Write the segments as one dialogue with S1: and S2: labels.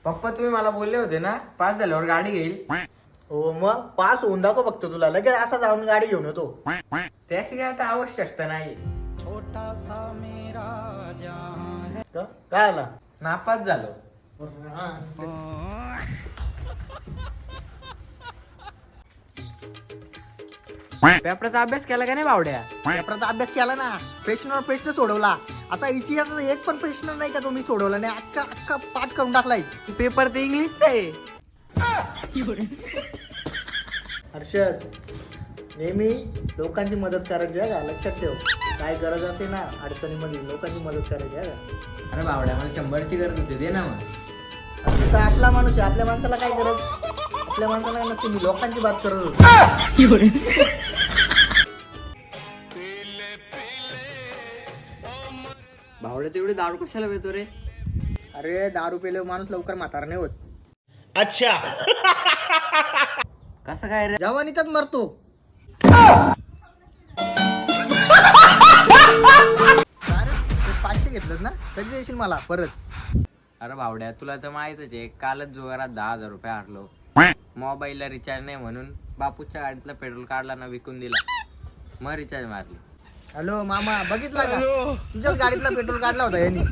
S1: पप्पा तुम्ही मला बोलले होते ना 5 झाल्यावर गाडी घेईल.
S2: हो मग पास होऊन दाखव बघतो तुला लगेच असा जाऊन गाडी घेऊन येतो.
S1: त्याची काय आता आवश्यकता नाही.
S2: काय आला
S1: नापास झालो. पेपराचा अभ्यास केला का नाही बावड्या?
S2: पेपराचा अभ्यास केला ना, प्रश्नावर प्रश्न सोडवला. असा इतिहासाचा एक पण प्रश्न नाही का तो मी सोडवला नाही, अख्खा अख्खा पाठ करून टाकलाय.
S1: पेपर तर इंग्लिशचा आहे.
S2: हर्षद, नेहमी लोकांची मदत करायची आहे का, लक्षात ठेव. काय गरज असते ना अडचणीमध्ये लोकांची मदत करायची आहे का.
S1: अरे बावड्या मला 100ची गरज होती, दे ना मग.
S2: तर आपला माणूस आहे, आपल्या माणसाला काय गरज, आपल्या माणसाला काय नसते. मी लोकांची बात करत होतो.
S1: बावड्या तेवढी दारू कशाला पितो रे?
S2: अरे दारू पेले माणूस लवकर म्हातारा नाही होत.
S1: कसं काय रे?
S2: जवानीतच मरतो. 500 घेतलं ना, कधी देशील मला परत?
S1: अरे बावड्या तुला तर माहितच आहे, कालच जुगारात 10,000 रुपये हारलो. मोबाईलला रिचार्ज नाही म्हणून बापूच्या गाडीतला पेट्रोल काढला ना, विकून दिला, मग रिचार्ज मारली.
S2: हॅलो मामा, बघितला का तुझ्याच गाडीतला पेट्रोल काढला होता यांनी.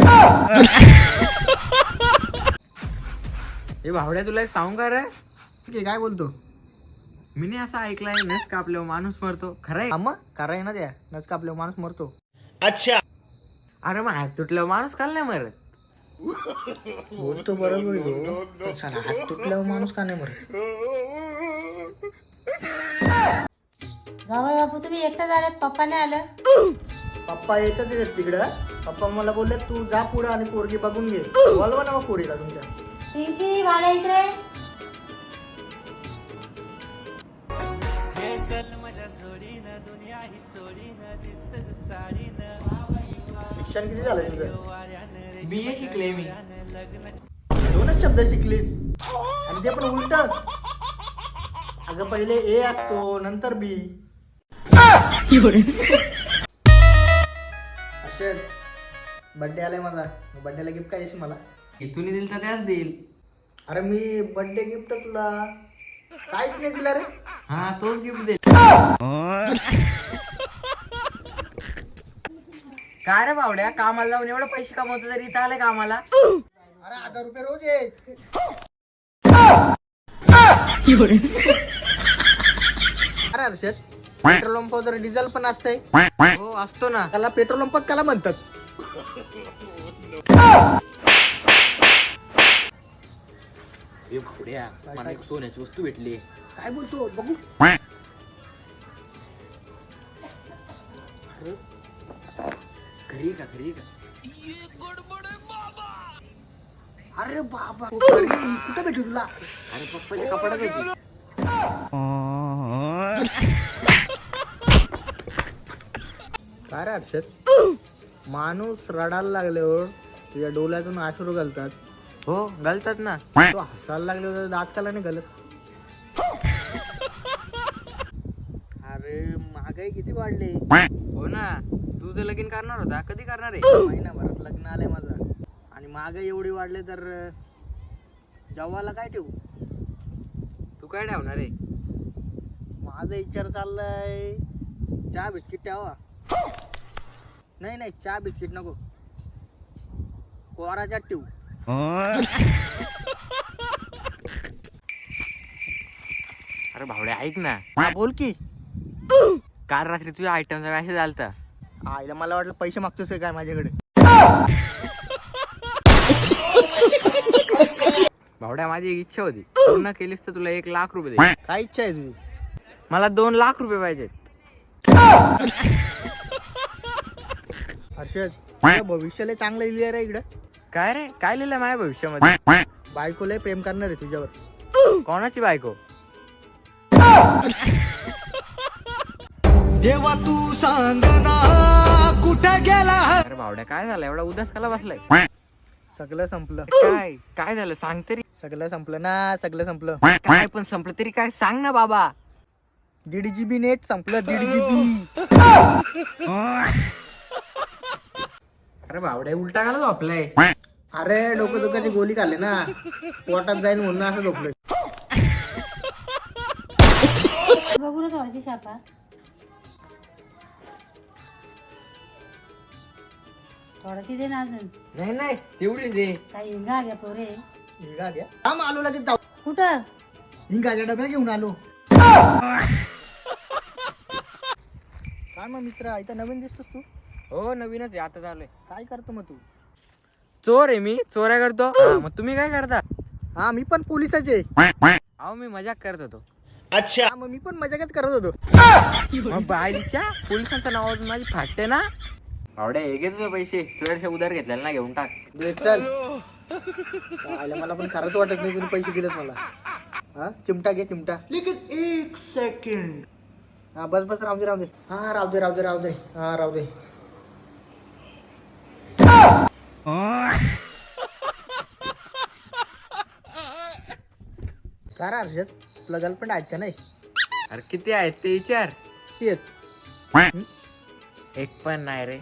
S1: हे बावड्या तुला एक सांगू का रे?
S2: काय बोलतो?
S1: मी नाही असं ऐकलंय नस कापल्यावर माणूस मरतो, खरं आहे?
S2: मग खरं आहे ना, त्या नस कापल्यावर माणूस मरतो.
S1: अरे मग हात तुटल्यावर माणूस काल नाही मरत?
S2: बोलतो बरोबर हो, पण साला हात तुटल्यावर माणूस का नाही मरत?
S3: जावई बापू तुम्ही एकटा झाल्यात, पप्पा नाही आलं?
S2: पप्पा येतच आहेत तिकडं. पप्पा मला बोलले तू जा पुढे आणि पोरगी बघून घे. बोलवा ना मग पोरीला तुमच्या.
S3: पिंकी वाला इकडे.
S2: शिक्षण किती झालं तुझं?
S1: BA शिकले मी.
S2: 2च शब्द शिकलीस आणि ते पण उलट. अगं पहिले ए असतो नंतर बी. असेल बर्थडे आलाय माझा, बर्थडेला गिफ्ट काय येशील मला?
S1: इथून दिल तर त्याच देईल.
S2: अरे मी बर्थडे गिफ्ट तुला काहीच नाही दिला रे.
S1: हा तोच गिफ्ट देईल. काय रे बावड्या, कामाला जाऊन एवढे पैसे कमवतो तरी इथं आले कामाला?
S2: अरे 1000 रुपये रोज आहे. अरे हर्षद, पेट्रोल पंपावर डिझेल पण असतंय.
S1: हो असतो ना.
S2: त्याला पेट्रोल पंपात त्याला म्हणतात.
S1: ए बावड्या, मला एक सोन्याची वस्तू भेटली.
S2: काय बोलतो बघू.
S1: घरी का घरी का?
S2: अरे बाबा कुठं भेटू तुला?
S1: अरे पप्पाच्या कपड्यात होती.
S2: काय रे हर्षद, माणूस रडायला लागल्यावर तुझ्या डोळ्यातून अश्रू घालतात.
S1: हो घालतात ना.
S2: तो हसायला लागल्यावर दात काला नाही घालत. अरे महागाई किती वाढली.
S1: हो ना, तू तर लगीन करणार होता, कधी करणार आहे?
S2: महिनाभरात लग्न आलंय माझं आणि महागाई एवढी वाढली तर जेवायला काय ठेवू?
S1: तू काय ठेवणार आहे?
S2: माझा विचार चाललाय चहा बिस्किट ठेवा. नाही नाही, चहा बिस्किट नको, कोराच्यात ठेवू.
S1: अरे भावड्या ऐक ना.
S2: हा बोल की.
S1: काल रात्री तुझ्या आयटमचा मेसेज आलता.
S2: आईला मला वाटलं पैसे मागतोस काय माझ्याकडे.
S1: भावड्या माझी एक इच्छा होती, पूर्ण केलीस तर तुला 1,00,000 रुपये दे.
S2: काय इच्छा आहे तुझी?
S1: मला 2,00,000 रुपये पाहिजेत.
S2: हर्षद, तुझं भविष्याला चांगलं लिहिलं रे इकडं.
S1: काय रे, काय लिहिलं माझ्या भविष्यामध्ये?
S2: बायकोला प्रेम करणार आहे तुझ्यावर.
S1: कोणाची बायको?
S4: देवा तू सांग ना कुठं गेला.
S1: अरे भावड्या काय झालं, एवढा उदास काला बसलाय?
S2: सगळं संपलं.
S1: काय काय झालं सांग तरी.
S2: सगळं संपलं ना, सगळं संपलं.
S1: काय पण संपलं तरी काय सांग ना बाबा.
S2: 1.5 GB नेट संपलं. 1.5 GB.
S1: अरे बावड्या उलटा घाला झोपलाय.
S2: अरे डोकं दुखाची गोळी खाल्ली ना, पोटात जाईल म्हणून असं झोपलोय.
S3: बघू ना थोडीशी शापा. थोडीशी दे ना अजून.
S1: नाही नाही तेवढीच दे.
S3: काही हिंगा घ्या पोरे.
S2: हिंगा घ्या. थांब आलो लगेच जाऊ.
S3: कुठं?
S2: हिंगाच्या डब्या घेऊन आलो. काय मग मित्र, इथं नवीन दिसतोस तू?
S1: हो नवीनच आहे, आता चालू आहे.
S2: काय करतो मग तू?
S1: चोर आहे मी, चोऱ्या करतो. हा, मग तुम्ही काय करता?
S2: हा मी पण पोलिसाचे.
S1: अहो मी मजाक करत होतो.
S2: हा मग मी पण मजाकच करत होतो.
S1: मग बाईच्या पोलिसांचं नाव माझी फाटते ना. आवड्या हे घे तुझे पैसे, तुझ्याशी उधार घेतलेला ना, घेऊन टाक.
S2: दे चल. आयला मला पण खरंच वाटत नाही तुम्ही पैसे दिलेत मला. हा चिमटा घे चिमटा. लेकिन 1 सेकंड. हा बस बस राहू दे राहू दे. हा राहू दे राहू दे राहू दे. हा राहू दे. काय रे हर्षद, तुला गर्लफ्रेंड आहेत का नाही?
S1: अरे किती आहेत ते विचार.
S2: ती आहेत.
S1: एक पण नाही रे.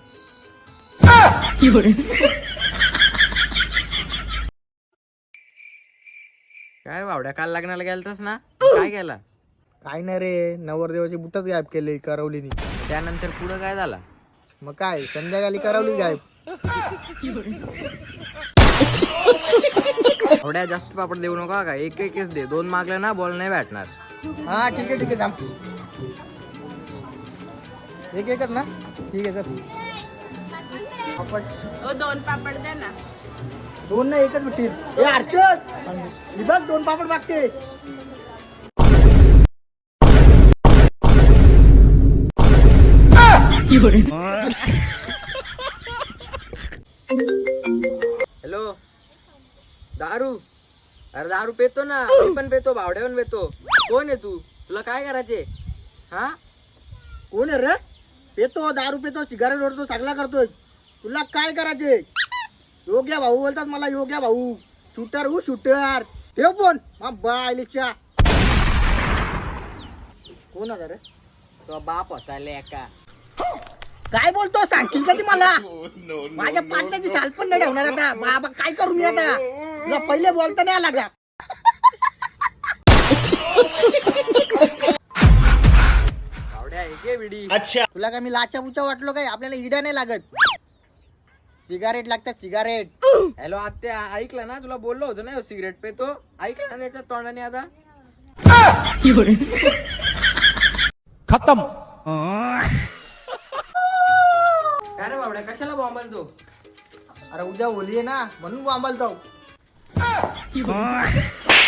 S1: काय बावड्या, काल लग्नाला गेलतास ना, काय केला?
S2: काय नाही रे, नवरदेवाची बुटच गायब केले करवलीनी.
S1: त्यानंतर पुढं काय झाला?
S2: मग काय संध्याकाळी करवली गायब.
S1: थोड्या जास्त पापड देऊ नका का, एक एकच दे. 2 मागले ना बॉल नाही भेटणार.
S2: हा ठीक आहे थांब. एक एकच ना, ठीक आहे चल. पापड
S5: 2 पापड द्या ना.
S2: 2 ना एकच भेटतील. ए हर्षद, ही बघ 2 पापड मागते.
S1: हॅलो, दारू. अरे दारू पेतो ना, मी पण पेतो, भावड्या पण पेतो. कोण आहे तू? तुला काय करायचे? हा
S2: कोण आहे रे? पेतो दारू पेतो, सिगारेट ओढतो, चांगला करतोय. तुला काय करायचे? योग्य भाऊ बोलतात मला, योग्य भाऊ. Shooter who shooter. ठेव फोन. बायलीच्या. कोण आहे रे?
S1: तो बाप होता लेका.
S2: काय बोलतो, सांगशील का ती मला? माझ्या पाट्याची साल पण नाही ठेवणार आता. बाबा काय करू मी आता? तुला पहिले बोलता नाही आला का?
S1: भावड्या हे विडी.
S2: तुला काय मी लाचा बुचा वाटलो काय? आपल्याला इडा नाही लागत. सिगारेट लागतात सिगारेट.
S1: हॅलो आत्या, ऐकलं ना, तुला बोललो होतो ना सिगरेट पेतो. ऐकलं ना त्याच्या तोंडाने आता.
S4: खत्म.
S1: काय रे बावड्या, कशाला बॉम्बल तो?
S2: अरे उद्या होली आहे ना, म्हणून बोंबाल जाऊ.